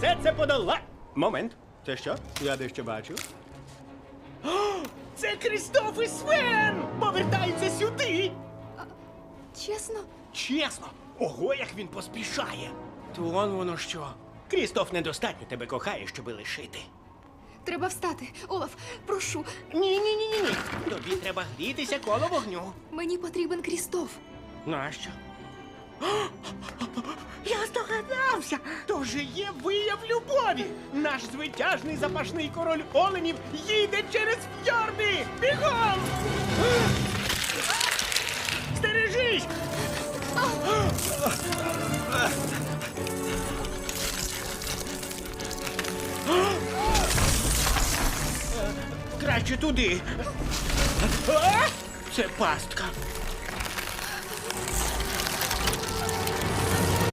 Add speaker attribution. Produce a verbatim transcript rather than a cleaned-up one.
Speaker 1: все це подола... Момент. Це що? Я дещо бачу. О, це Крістоф і Свен! Повертаються сюди!
Speaker 2: Чесно?
Speaker 1: Чесно! Ого, як він поспішає! То он воно що. Крістоф недостатньо тебе кохає, щоби лишити.
Speaker 2: Треба встати. Олаф, прошу,
Speaker 1: Ні-ні-ні-ні. Тобі треба грітися коло вогню.
Speaker 2: мені потрібен Крістоф.
Speaker 1: Нащо? Я здогадався! То же є вияв любові! Наш звитяжний запашний король оленів їде через фьорди! Бігом! Стережись! Краще туди. А! Це пастка.